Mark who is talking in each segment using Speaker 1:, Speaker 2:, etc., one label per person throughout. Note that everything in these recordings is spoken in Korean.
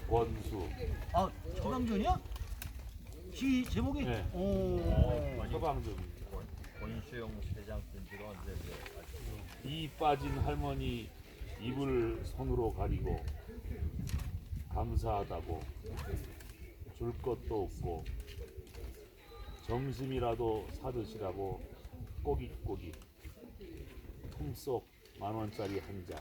Speaker 1: 원수.
Speaker 2: 아, 처방전이야? 시 제목이?
Speaker 1: 네.
Speaker 2: 오.
Speaker 1: 처방전.
Speaker 3: 권수영 회장 편지가 언제
Speaker 1: 이 빠진 할머니 입을 손으로 가리고 감사하다고 줄 것도 없고 점심이라도 사드시라고 꼬깃꼬깃 품속 10,000원짜리 한 장,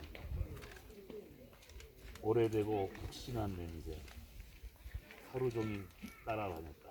Speaker 1: 오래되고 푹신한 냄새, 하루 종일 따라다녔다.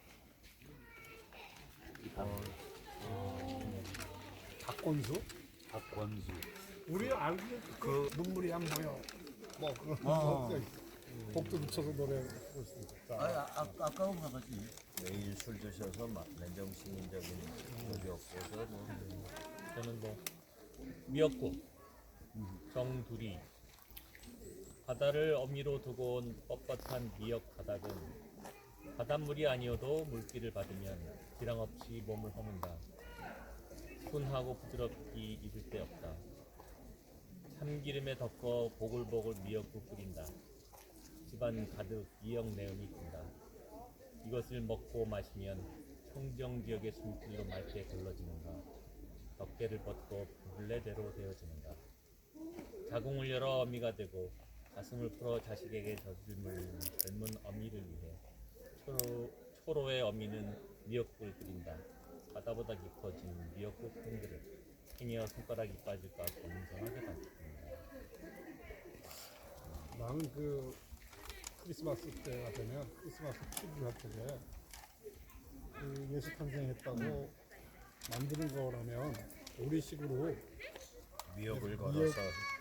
Speaker 4: 박건수?
Speaker 1: 박권수.
Speaker 4: 우리 알고 그 눈물이 안 보여. 뭐 그런 복도 붙여서 노래하고 있으니까.
Speaker 2: 아까운 거지.
Speaker 3: 매일 술 드셔서 맨정신적인 적이 없어서
Speaker 5: 저는 뭐 미역국, 정두리, 바다를 어미로 두고 온 뻣뻣한 미역 바닥은 바닷물이 아니어도 물기를 받으면 기랑 없이 몸을 허문다. 순하고 부드럽기 잊을 데 없다. 참기름에 덮어 보글보글 미역국 끓인다. 집안 가득 미역 내음이 든다. 이것을 먹고 마시면 청정지역의 숨길로 맑게 걸러지는가. 덮개를 벗고 물레대로 되어지는가. 자궁을 열어 어미가 되고 가슴을 풀어 자식에게 젖을 물리는 젊은 어미를 위해 초로의 어미는 미역국을 끓인다. 바다보다 깊어진 미역국 한 그릇. 행여 손가락이 빠질까 고민성하게 담습니다.
Speaker 4: 나는 그 크리스마스 때가 되면 크리스마스 트리를 할 때에 그 예수 탄생했다고 만드는 거라면 우리식으로
Speaker 3: 미역을
Speaker 4: 미역.
Speaker 3: 걸어서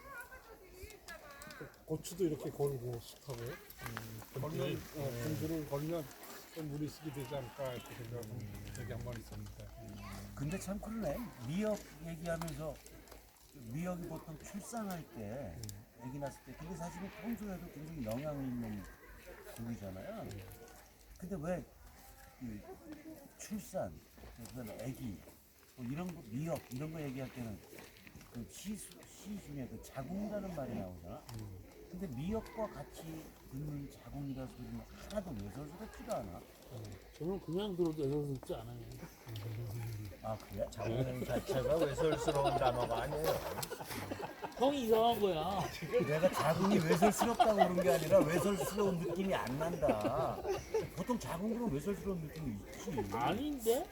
Speaker 4: 고추도 이렇게 걸고 숯하고 걸면 분주를 걸면 좀 우리식이 되지 않을까 이렇게 생각한 적이 한 번 있었는데.
Speaker 2: 근데 참 그러네. 미역 얘기하면서 미역이 보통 출산할 때 아기 낳았을 때 그게 사실은 평소에도 굉장히 영향이 있는 국이잖아요. 근데 왜 그 출산, 그다음에 아기 뭐 이런 거 미역 이런 거 얘기할 때는 그 시 중에 그 자궁이라는 말이 나오잖아. 근데 미역과 같이 듣는 자궁이라 소리는 하나도 외설스럽지가 않아.
Speaker 1: 저는 그냥 들어도 애석스럽지 않아요.
Speaker 2: 아 그래?
Speaker 3: 자궁 자체가 외설스러운 단어가 아니에요.
Speaker 1: 형이 이상한 거야.
Speaker 2: 내가 자궁이 외설스럽다고 그런 게 아니라 외설스러운 느낌이 안 난다. 보통 자궁 그런 외설스러운 느낌이 있지.
Speaker 1: 아닌데?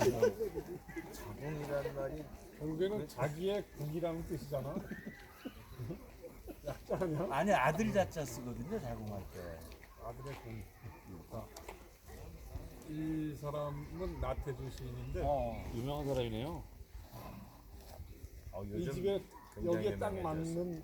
Speaker 3: 자궁이라는 말이
Speaker 4: 결국에는 자기의 국이라는 뜻이잖아. 약자 아니야?
Speaker 2: 아니 아들 자자 쓰거든요 자궁할 때.
Speaker 4: 아들의 국. 이 사람은 나태주 시인인데
Speaker 1: 유명한 사람이네요.
Speaker 4: 이
Speaker 3: 요즘
Speaker 4: 집에
Speaker 3: 굉장히
Speaker 4: 여기에 딱
Speaker 3: 유명해졌어.
Speaker 4: 맞는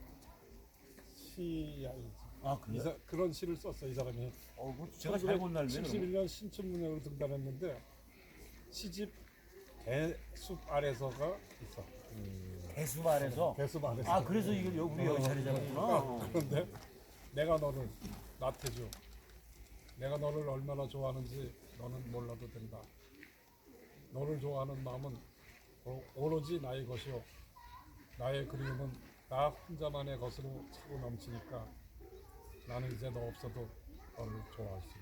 Speaker 4: 시야.
Speaker 2: 아 그래?
Speaker 4: 그런 시를 썼어 이 사람이.
Speaker 2: 뭐 제가 잘 본 날네.
Speaker 4: 71년 신춘문예로 등단했는데 시집 대숲 아래서가 있어.
Speaker 2: 배수 아래서.
Speaker 4: 대숲 아래서.
Speaker 2: 아 그래서 이걸 우리 여기 자리 잡았구나.
Speaker 4: 그런데 내가 너를 나태주 내가 너를 얼마나 좋아하는지 너는 몰라도 된다. 너를 좋아하는 마음은 오로지 나의 것이요 나의 그리움은 나 혼자만의 것으로 차고 넘치니까 나는 이제 너 없어도 너를 좋아할 수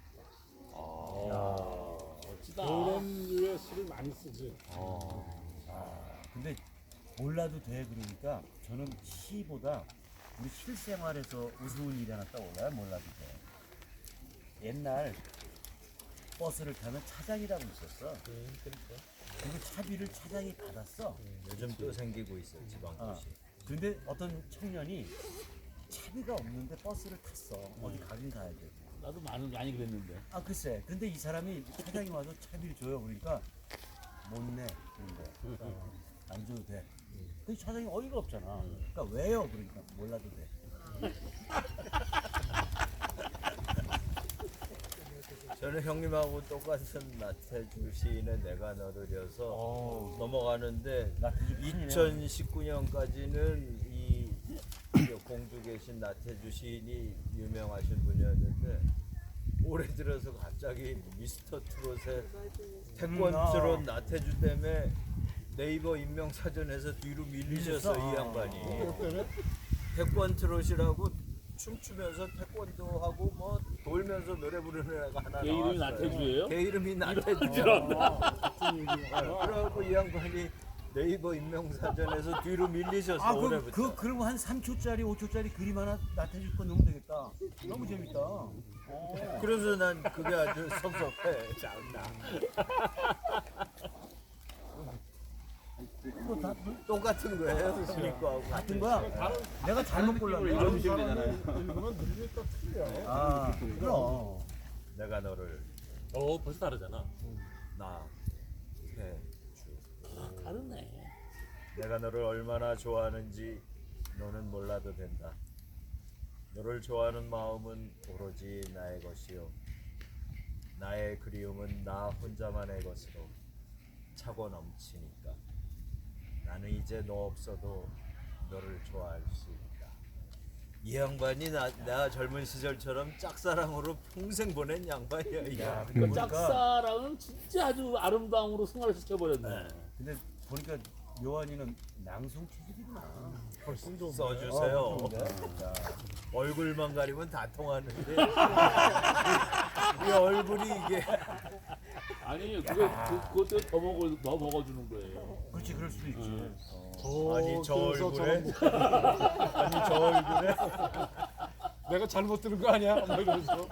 Speaker 4: 있다.
Speaker 1: 멋지다.
Speaker 4: 그런 류의 시를 많이 쓰지.
Speaker 2: 근데 몰라도 돼 그러니까 저는 시보다 우리 실생활에서 우스운 일이 하나 떠올라요. 몰라도 돼. 옛날 버스를 타면 차장이라고 있었어. 그리고 차비를 차장이 받았어.
Speaker 3: 요즘 또 생기고 있어 지방도시.
Speaker 2: 근데 어떤 청년이 차비가 없는데 버스를 탔어. 어디 가긴 가야 돼.
Speaker 1: 나도 많이 그랬는데.
Speaker 2: 아 글쎄. 근데 이 사람이 차장이 와서 차비를 줘요. 그러니까 못 내. 그런 거. 안 줘도 돼. 근데 차장이 어이가 없잖아. 그러니까 왜요? 그러니까 몰라도 돼.
Speaker 3: 저는 형님하고 똑같은 나태주 시인의 내가 너를여서 넘어가는데
Speaker 2: 나태주 팬이네요.
Speaker 3: 2019년까지는 이 공주 계신 나태주 시인이 유명하신 분이었는데 올해 들어서 갑자기 미스터 트롯의 태권트롯 나태주 때문에 네이버 인명사전에서 뒤로 밀리셔서 이 양반이 태권트롯이라고 춤추면서 태권도 하고 울면서 노래 부르는 애가 하나
Speaker 1: 얘 이름이
Speaker 3: 나왔어요.
Speaker 1: 나태주예요?
Speaker 3: 걔 이름이 나태주.
Speaker 4: 같은 얘기가
Speaker 3: 그래갖고 이 양반이 네이버 인명사전에서 뒤로 밀리셨어.
Speaker 2: 아,
Speaker 3: 올해부터.
Speaker 2: 그리고 한 3초짜리, 5초짜리 그림 하나 나타줄 거 넣으면 되겠다. 너무 재밌다.
Speaker 3: 그래서 난 그게 아주 섭섭해. 참나.
Speaker 2: 뭐다
Speaker 3: 똑같은 거예요. 순위 거하고.
Speaker 2: 같은 거야? 내가 잘못 골랐네.
Speaker 4: 다른 사람이 읽으면 느낌이 또 틀려.
Speaker 2: 아, 그럼.
Speaker 3: 내가 너를
Speaker 5: 벌써 다르잖아.
Speaker 3: 나 해.
Speaker 1: 다르네.
Speaker 3: 내가 너를 얼마나 좋아하는지 너는 몰라도 된다. 너를 좋아하는 마음은 오로지 나의 것이요. 나의 그리움은 나 혼자만의 것으로 차고 넘치니까. 나는 이제 너 없어도 너를 좋아할 수 있다. 이 양반이 나 젊은 시절처럼 짝사랑으로 평생 보낸 양반이야. 이
Speaker 2: 야,
Speaker 3: 양반.
Speaker 2: 근데
Speaker 1: 그 짝사랑은 진짜 아주 아름다움으로 승화를 시켜버렸네.
Speaker 2: 근데 보니까 요한이는 낭송 체질이구나.
Speaker 4: 훨씬 좀
Speaker 3: 써주세요.
Speaker 2: 좋은데? 야,
Speaker 3: 얼굴만 가리면 다 통하는데 이 얼굴이 이게
Speaker 1: 아니 그것 때문에 더 먹어주는 거예요.
Speaker 2: 그렇지, 그럴 수도 있지.
Speaker 3: 아니 저
Speaker 4: 그래서
Speaker 3: 얼굴에
Speaker 4: 저런
Speaker 3: 아니 저 얼굴에
Speaker 4: 내가 잘못 들은 거 아니야? 뭐 이러면서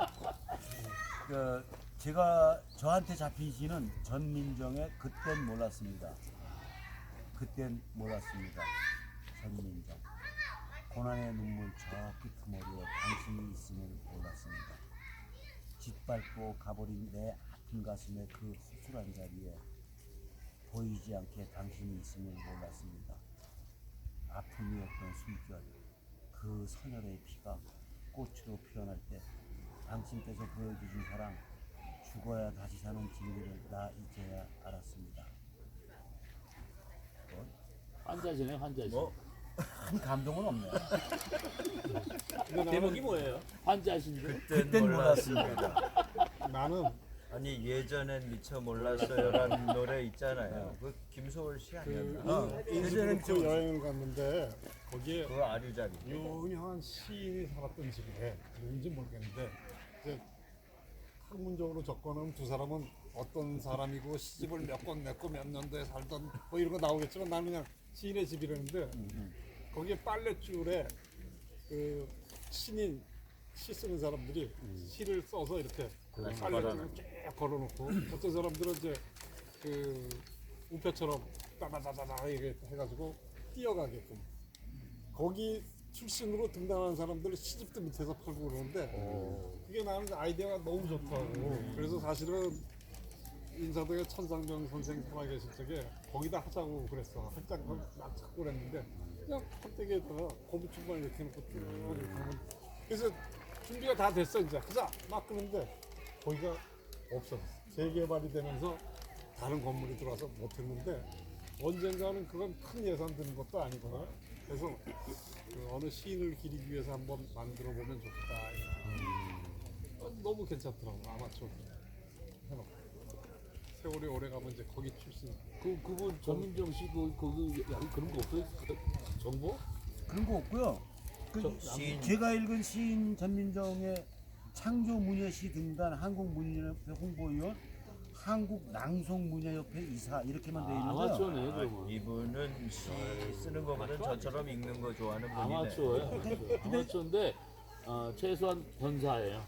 Speaker 2: 제가 저한테 잡힌 시는 전민정의 그땐 몰랐습니다. 그땐 몰랐습니다. 전민정. 고난의 눈물 저 끄트머리에 당신이 있음을 몰랐습니다. 짓밟고 가버린 내 아픈 가슴의 그 허술한 자리에 보이지 않게 당신이 있음을 몰랐습니다. 아픔이었던 숨결, 그 선열의 피가 꽃으로 피어날 때 당신께서 보여주신 사랑, 죽어야 다시 사는 진리를 나 이제야 알았습니다.
Speaker 1: 환자시네 환자시.
Speaker 3: 뭐
Speaker 2: 큰 감동은 없네.
Speaker 5: 제목이 뭐예요?
Speaker 1: 환자신데.
Speaker 2: 그땐 몰랐습니다.
Speaker 4: 나는
Speaker 3: 아니 예전엔 미처 몰랐어요라는 노래 있잖아요. 그 김소월 씨 아니었나?
Speaker 4: 인스브루크 여행을 갔는데 거기에
Speaker 3: 그거 아류자리.
Speaker 4: 유명한 시인이 살았던 집이래. 누군지 모르겠는데 이제 학문적으로 접근하면 두 사람은 어떤 사람이고 시집을 몇 권 냈고 몇 년도에 살던 뭐 이런 거 나오겠지만 나는 그냥 시인의 집이라는데 거기에 빨랫줄에 그 신인 시 쓰는 사람들이 시를 써서 이렇게 빨랫줄을 쭉 걸어놓고 어떤 사람들은 이제 그 우표처럼 따다다다다 이렇게 해가지고 뛰어가게끔 거기 출신으로 등단하는 사람들 시집도 밑에서 팔고 그러는데 그게 나는 아이디어가 너무 좋더라고. 그래서 사실은 인사동에 천상병 선생 살아 계실 적에 거기다 하자고 그랬어. 할장 막 찾고 그랬는데 그냥 껍데기에다가 고무줄만 이렇게 놓고 쭉 이렇게 하면 그래서 준비가 다 됐어 이제 하자 막 그러는데 거기가 없어졌어. 재개발이 되면서 다른 건물이 들어와서 못했는데 언젠가는 그건 큰 예산 드는 것도 아니고 그래서 그 어느 시인을 기리기 위해서 한번 만들어 보면 좋겠다. 너무 괜찮더라고. 아마추어 해놓고 세월이 오래 가면 이제 거기 출신.
Speaker 1: 그분 전민정 씨 거기 그런 거 없어요? 정보?
Speaker 2: 그런 거 없고요. 제가 읽은 시인 전민정의 창조문예시 등단 한국문예협회 홍보위원, 한국낭송문예협회 이사 이렇게만 돼 있는 거예요.
Speaker 1: 아마추어네 그러면.
Speaker 3: 이분은 시 쓰는 거보다 저처럼 읽는 거 좋아하는 분이네.
Speaker 1: 아마추어예요. 아마추어인데 최소한 권사예요.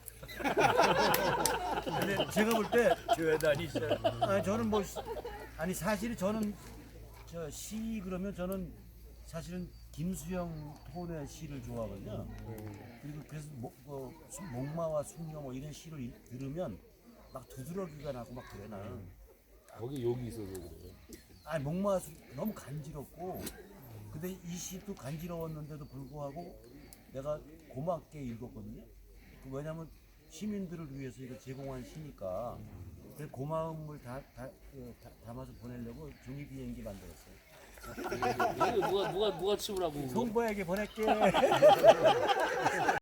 Speaker 2: 근데 제가 볼 때
Speaker 3: 교회 다니셔.
Speaker 2: 저는 뭐 아니 사실 저는 저 시 그러면 저는 사실은 김수영 톤의 시를 좋아하거든요. 그리고 그래서 목마와 숙녀 뭐 이런 시를 들으면 막 두드러기가 나고 막 그래 나는.
Speaker 1: 거기 욕이 있어서 그래요.
Speaker 2: 아니 목마와 너무 간지럽고 근데 이 시도 간지러웠는데도 불구하고 내가 고맙게 읽었거든요. 왜냐면 시민들을 위해서 이거 제공한 시니까 그 고마움을 담아서 보내려고 종이 비행기 만들었어요.
Speaker 1: 누가 치우라고.
Speaker 2: 송보에게 보낼게.